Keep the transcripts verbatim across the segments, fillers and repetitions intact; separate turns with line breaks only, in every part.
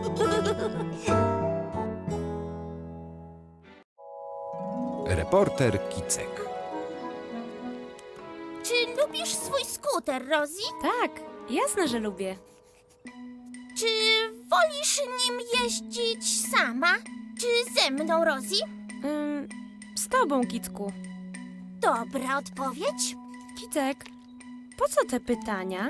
Reporter Kicek.
Czy lubisz swój skuter, Rosie?
Tak, jasne, że lubię.
Czy wolisz nim jeździć sama? Czy ze mną, Rosie?
Ym, z tobą, Kicku.
Dobra odpowiedź.
Kicek, po co te pytania?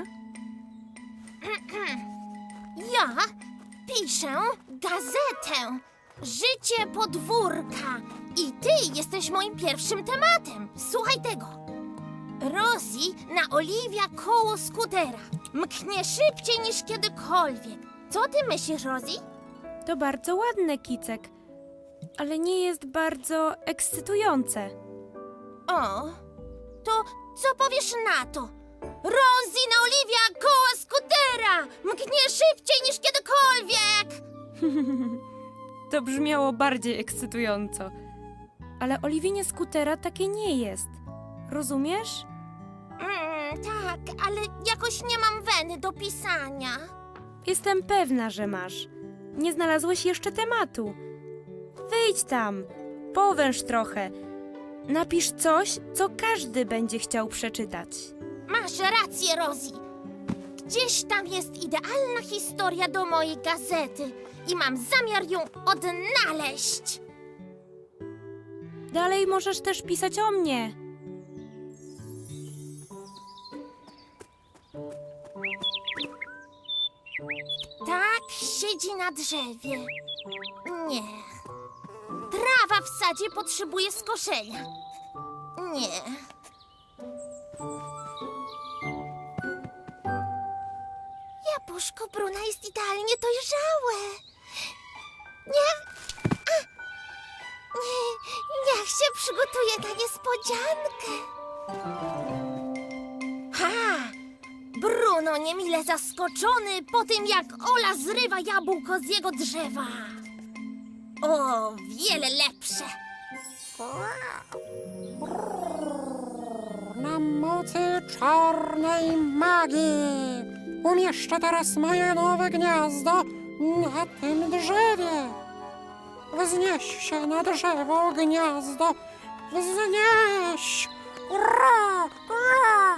Ja piszę gazetę Życie podwórka i ty jesteś moim pierwszym tematem. Słuchaj tego. Rosie naoliwia koło skutera. Mknie szybciej niż kiedykolwiek. Co ty myślisz, Rosie?
To bardzo ładne, Kicek, ale nie jest bardzo ekscytujące.
O, to co powiesz na to? Rosie naoliwia koło skutera! Mknie szybciej niż kiedykolwiek!
To brzmiało bardziej ekscytująco. Ale oliwienie skutera takie nie jest. Rozumiesz?
Mm, tak, ale jakoś nie mam weny do pisania.
Jestem pewna, że masz. Nie znalazłeś jeszcze tematu. Wyjdź tam, powęż trochę. Napisz coś, co każdy będzie chciał przeczytać.
Masz rację, Rosie. Gdzieś tam jest idealna historia do mojej gazety i mam zamiar ją odnaleźć.
Dalej możesz też pisać o mnie.
Tak siedzi na drzewie. Nie. Trawa w sadzie potrzebuje skoszenia. Nie. Jabłuszko Bruna jest idealnie dojrzałe. Nie. A! Nie. Niech się przygotuje na niespodziankę. Ha! Bruno niemile zaskoczony po tym, jak Ola zrywa jabłko z jego drzewa. O, wiele lepsze.
Na mocy czarnej magii umieszczę teraz moje nowe gniazdo na tym drzewie. Wznieś się na drzewo, gniazdo. Wznieś! Ura! Ura!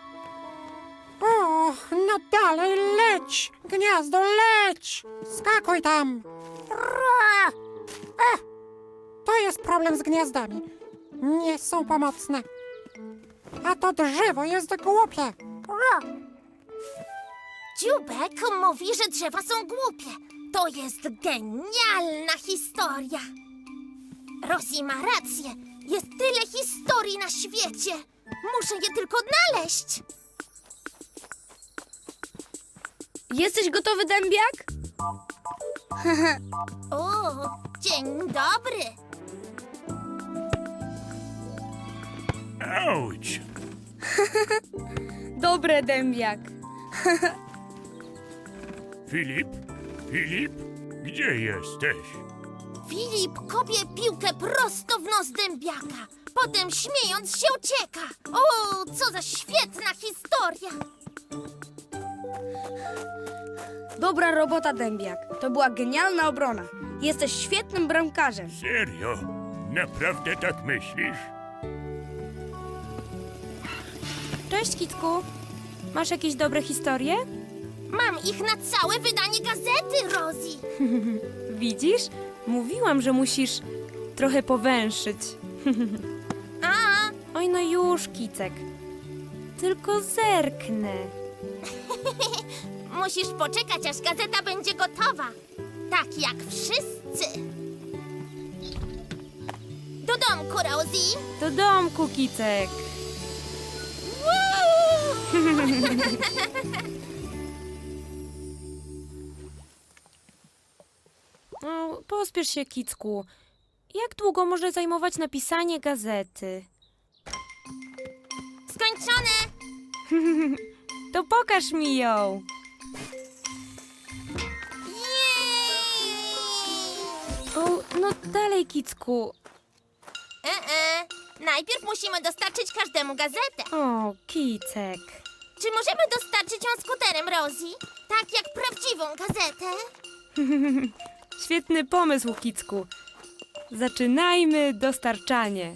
Och, no dalej leć! Gniazdo, leć! Skakuj tam! Ura! Ech, to jest problem z gniazdami. Nie są pomocne. A to drzewo jest głupie. Ura!
Dziubek mówi, że drzewa są głupie. To jest genialna historia. Rosie ma rację. Jest tyle historii na świecie. Muszę je tylko odnaleźć.
Jesteś gotowy, dębiak?
O, dzień dobry.
Auć!
Dobre, dębiak.
Filip? Filip? Gdzie jesteś?
Filip kopie piłkę prosto w nos dębiaka. Potem śmiejąc się ucieka. O, co za świetna historia.
Dobra robota, dębiak. To była genialna obrona. Jesteś świetnym bramkarzem.
Serio? Naprawdę tak myślisz?
Cześć, Kicku. Masz jakieś dobre historie?
Mam ich na całe wydanie gazety, Rosie.
Widzisz? Mówiłam, że musisz trochę powęszyć.
A,
Oj, no już, Kicek. Tylko zerknę.
musisz poczekać, aż gazeta będzie gotowa. Tak jak wszyscy. Do domku, Rosie.
Do domku, Kicek. No, pospiesz się, Kicku. Jak długo może zajmować napisanie gazety?
Skończone.
To pokaż mi ją.
Jej!
O, no dalej, Kicku.
E -e. Najpierw musimy dostarczyć każdemu gazetę.
O, Kicek.
Czy możemy dostarczyć ją skuterem, Rosie? Tak jak prawdziwą gazetę?
Świetny pomysł, Kicku. Zaczynajmy dostarczanie.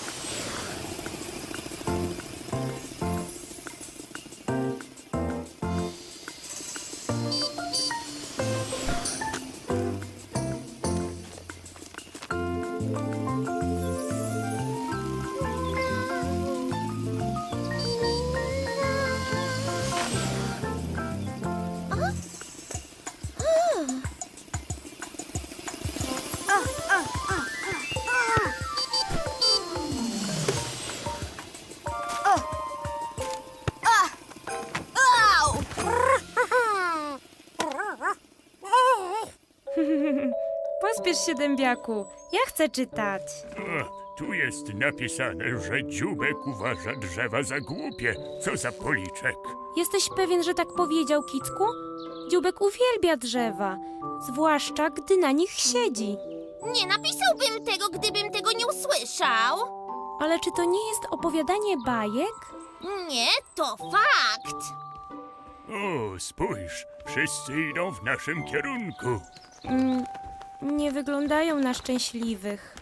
Pospiesz się, dębiaku. Ja chcę czytać.
O, tu jest napisane, że dzióbek uważa drzewa za głupie. Co za policzek.
Jesteś pewien, że tak powiedział, Kicku? Dzióbek uwielbia drzewa, zwłaszcza gdy na nich siedzi.
Nie napisałbym tego, gdybym tego nie usłyszał.
Ale czy to nie jest opowiadanie bajek?
Nie, to fakt.
O, spójrz, wszyscy idą w naszym kierunku.
Mm, nie wyglądają na szczęśliwych.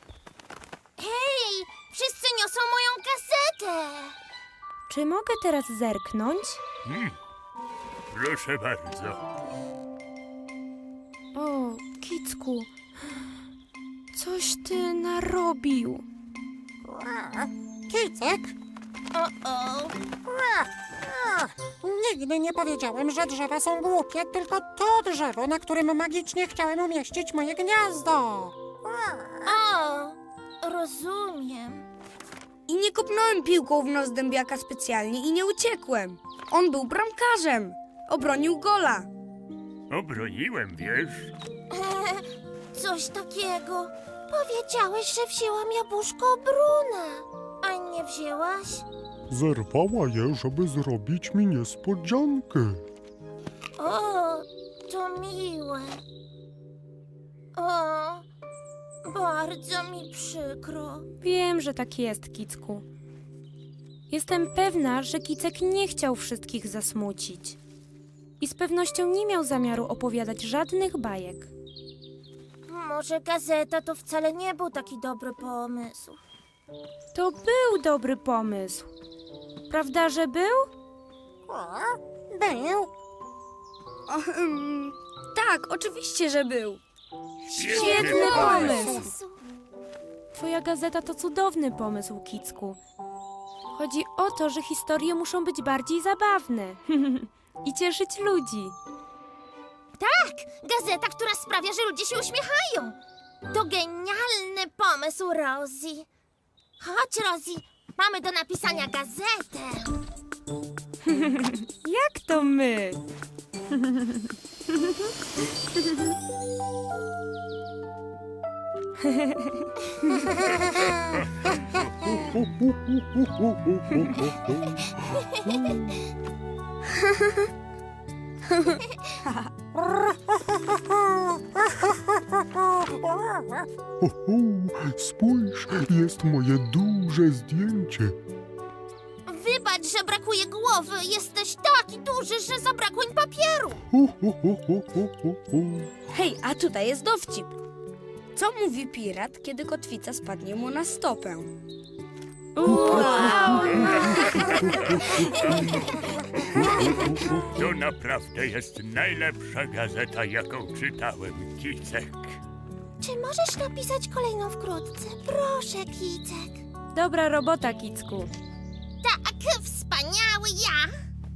Hej, wszyscy niosą moją gazetę.
Czy mogę teraz zerknąć?
Hmm. Proszę bardzo.
O, Kicku, coś ty narobił.
Kicek?
O-o.
Nigdy nie powiedziałem, że drzewa są głupie, tylko to drzewo, na którym magicznie chciałem umieścić moje gniazdo.
O, rozumiem.
I nie kopnąłem piłką w nos dębiaka specjalnie i nie uciekłem. On był bramkarzem. Obronił gola.
Obroniłem, wiesz?
Coś takiego. Powiedziałeś, że wzięłam jabłuszko Bruna, a nie wzięłaś?
Zerwała je, żeby zrobić mi niespodziankę.
O, to miłe. O, bardzo mi przykro.
Wiem, że tak jest, Kicku. Jestem pewna, że Kicek nie chciał wszystkich zasmucić. I z pewnością nie miał zamiaru opowiadać żadnych bajek.
Może gazeta to wcale nie był taki dobry pomysł.
To był dobry pomysł. Prawda, że był?
Był.
O, ym, tak, oczywiście, że był.
Świetny pomysł.
Jezu.
Twoja gazeta to cudowny pomysł, Kicku. Chodzi o to, że historie muszą być bardziej zabawne i cieszyć ludzi.
Tak, gazeta, która sprawia, że ludzie się uśmiechają. To genialny pomysł, Rosie. Chodź, Rosie, mamy do napisania gazetę.
Jak to my?
Ho, ho, spójrz, jest moje duże zdjęcie.
Wybacz, że brakuje głowy. Jesteś taki duży, że zabrakło im papieru.
Ho, ho, ho, ho, ho, ho, ho.
Hej, a tutaj jest dowcip. Co mówi pirat, kiedy kotwica spadnie mu na stopę?
Wow!
To naprawdę jest najlepsza gazeta, jaką czytałem, Kicek.
Czy możesz napisać kolejną wkrótce? Proszę, Kicek.
Dobra robota, Kicku.
Tak, wspaniały ja.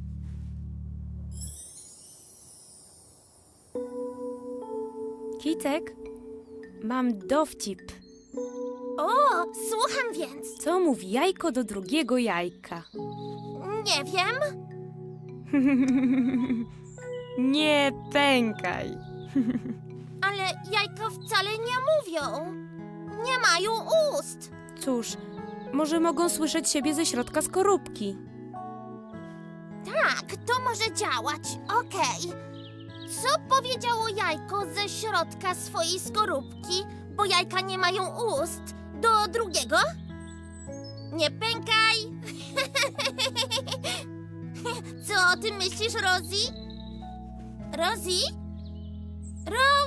Kicek, mam dowcip.
O, słucham więc.
Co mówi jajko do drugiego jajka?
Nie wiem.
Nie pękaj.
Ale jajka wcale nie mówią. Nie mają ust.
Cóż, może mogą słyszeć siebie ze środka skorupki.
Tak, to może działać. Okej. Co powiedziało jajko ze środka swojej skorupki, bo jajka nie mają ust, do drugiego? Nie pękaj. Co o tym myślisz, Rosie? Rosie? Rosie!